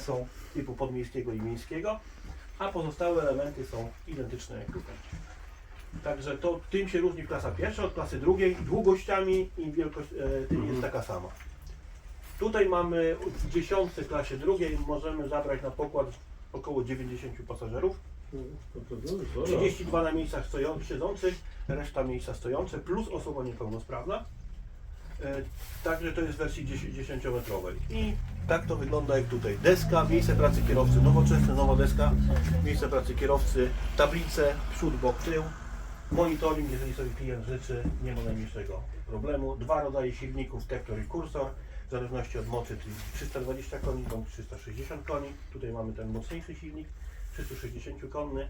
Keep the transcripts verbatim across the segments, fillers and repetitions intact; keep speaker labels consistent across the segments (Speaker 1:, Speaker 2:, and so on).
Speaker 1: są typu podmiejskiego i miejskiego, a pozostałe elementy są identyczne jak tutaj. Także to tym się różni klasa pierwsza od klasy drugiej, długościami i wielkość e, tym jest taka sama. Tutaj mamy w dziesiątce klasie drugiej, możemy zabrać na pokład około dziewięćdziesięciu pasażerów. trzydzieści dwa na miejscach stoją, siedzących, reszta miejsca stojące, plus osoba niepełnosprawna. E, także to jest w wersji dziesięciometrowej. I tak to wygląda jak tutaj. Deska, miejsce pracy kierowcy, nowoczesne, nowa deska, miejsce pracy kierowcy, tablice, przód, bok, tył, monitoring, jeżeli sobie klient życzy, nie ma najmniejszego problemu. Dwa rodzaje silników, tektor i kursor, w zależności od mocy, czyli trzysta dwadzieścia koni bądź trzysta sześćdziesiąt koni. Tutaj mamy ten mocniejszy silnik, trzysta sześćdziesiąt konny.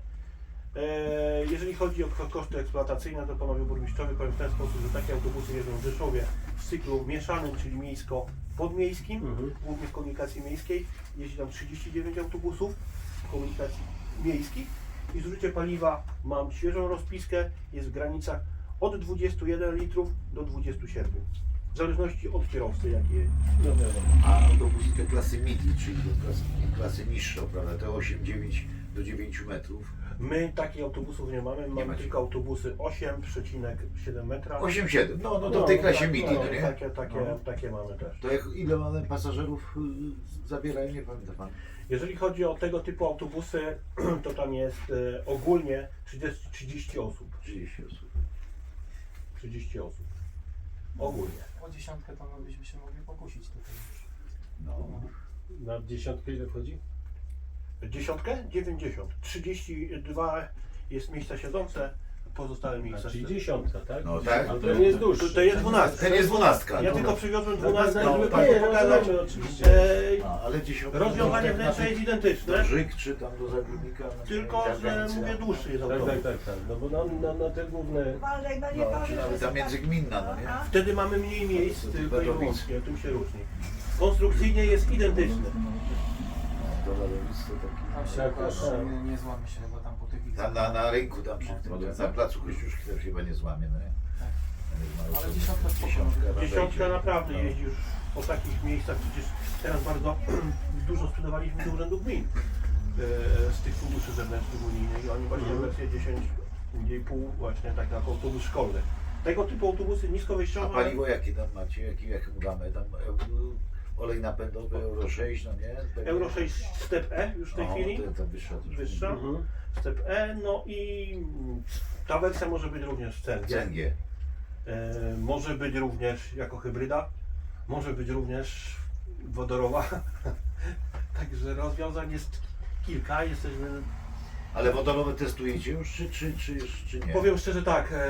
Speaker 1: Jeżeli chodzi o koszty eksploatacyjne, to panowie burmistrzowie powiem w ten sposób, że takie autobusy jeżdżą w Rzeszowie w cyklu mieszanym, czyli miejsko-podmiejskim, mhm. głównie w komunikacji miejskiej. Jeździ tam trzydzieści dziewięć autobusów w komunikacji miejskiej i zużycie paliwa, mam świeżą rozpiskę, jest w granicach od dwudziestu jeden litrów do dwudziestu siedmiu. W zależności od kierowcy, jaki jest.
Speaker 2: A autobusy te klasy midi, czyli do klasy, klasy niższe, prawda? Te osiem dziewięć do dziewięciu metrów.
Speaker 1: My takich autobusów nie mamy, mamy
Speaker 2: macie.
Speaker 1: tylko autobusy osiem przecinek siedem metra.
Speaker 2: osiem siedem, no, no to w tej klasie midi, no, nie?
Speaker 1: Takie, takie,
Speaker 2: no.
Speaker 1: takie mamy też.
Speaker 2: To jak, ile one pasażerów y, zabierają, nie pamięta pan?
Speaker 1: Jeżeli chodzi o tego typu autobusy, to tam jest e, ogólnie trzydzieści, trzydzieści osób.
Speaker 2: trzydzieści osób.
Speaker 1: trzydzieści osób. Ogólnie.
Speaker 3: O dziesiątkę to my byśmy się mogli pokusić tutaj już.
Speaker 2: No.
Speaker 4: Na dziesiątkę ile wchodzi?
Speaker 1: Dziesiątkę? dziewięćdziesiąt. trzydzieści dwa jest miejsca siedzące, pozostałe miejsca.
Speaker 4: Czyli dziesiątka, tak?
Speaker 2: No tak.
Speaker 4: A to nie jest dłuższy.
Speaker 1: To, to jest dwunastka.
Speaker 2: Ten jest dwunastka.
Speaker 1: Ja
Speaker 2: no.
Speaker 1: tylko przywiozłem dwunastkę,
Speaker 4: No,
Speaker 1: żeby
Speaker 4: tak,
Speaker 1: Państwu
Speaker 4: nie,
Speaker 1: pokazać.
Speaker 4: rozumiem, oczywiście.
Speaker 1: E,
Speaker 2: No, ale dziesiątka.
Speaker 1: rozwiązanie
Speaker 2: tak
Speaker 1: wnętrza jest identyczne,
Speaker 2: do Żyk czy tam do Zagórnika. no,
Speaker 1: tylko
Speaker 2: ta
Speaker 1: że
Speaker 2: granica.
Speaker 1: mówię dłuższy jest
Speaker 4: Tak, tak,
Speaker 1: autobus.
Speaker 4: tak, tak. No bo na, na, na te główne...
Speaker 5: Uważaj, bo nie
Speaker 2: No,
Speaker 5: powiesz,
Speaker 2: czy nawet
Speaker 5: że
Speaker 2: ta międzygminna, no nie?
Speaker 5: A?
Speaker 1: Wtedy mamy mniej miejsc,
Speaker 2: To
Speaker 1: tylko i
Speaker 2: to
Speaker 1: wyłącznie, tym się różni. Konstrukcyjnie jest identyczny.
Speaker 2: To lodowisko takie.
Speaker 3: Tam się
Speaker 4: Tak,
Speaker 3: jakoś
Speaker 4: tak, tak.
Speaker 3: nie, nie złamie się chyba tam po tych
Speaker 2: Tam na, na rynku, tam przy tym,
Speaker 4: No,
Speaker 2: na placu Kościuszki też chyba nie złamie, no nie?
Speaker 3: Tak.
Speaker 2: Tam jest mało
Speaker 3: Ale
Speaker 2: osób.
Speaker 3: dziesiątka spoko.
Speaker 2: Dziesiątka,
Speaker 1: Dziesiątka
Speaker 2: wejdzie.
Speaker 1: naprawdę
Speaker 2: No.
Speaker 1: jeździ już po takich miejscach, przecież teraz bardzo dużo sprzedawaliśmy do urzędów gmin e, z tych funduszy zewnętrznych unijnych i oni właśnie
Speaker 4: Mhm.
Speaker 1: wersję dziesięć i pół właśnie tak jak autobus szkolny. Tego typu autobusy
Speaker 2: A
Speaker 1: niskowejściowe.
Speaker 2: paliwo jakie tam macie? Jaki, jaką gamę? Tam e, olej napędowy Euro sześć, no nie? Tak.
Speaker 1: Euro sześć Step E już w tej
Speaker 2: O,
Speaker 1: chwili.
Speaker 2: To, to wyższa też.
Speaker 1: Wyższa.
Speaker 4: Mhm.
Speaker 1: Step E, no i ta wersja może być również w C N G.
Speaker 2: C N G.
Speaker 1: E, może być również jako hybryda, może być również wodorowa. Także rozwiązań jest kilka. Jesteśmy,
Speaker 2: Ale wodorowe testujecie już, czy, czy, czy, czy nie?
Speaker 1: powiem szczerze tak, e,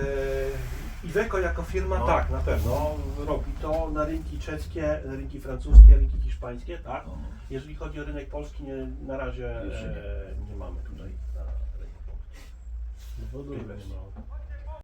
Speaker 1: Iveco jako firma
Speaker 2: No.
Speaker 1: tak, na pewno robi to na rynki czeskie, na rynki francuskie, rynki hiszpańskie, tak.
Speaker 2: O,
Speaker 1: Jeżeli chodzi o rynek polski, nie, na razie
Speaker 2: Jeszcze nie.
Speaker 1: e, nie mamy tutaj na rynku polskim.
Speaker 4: Wodu nie ma.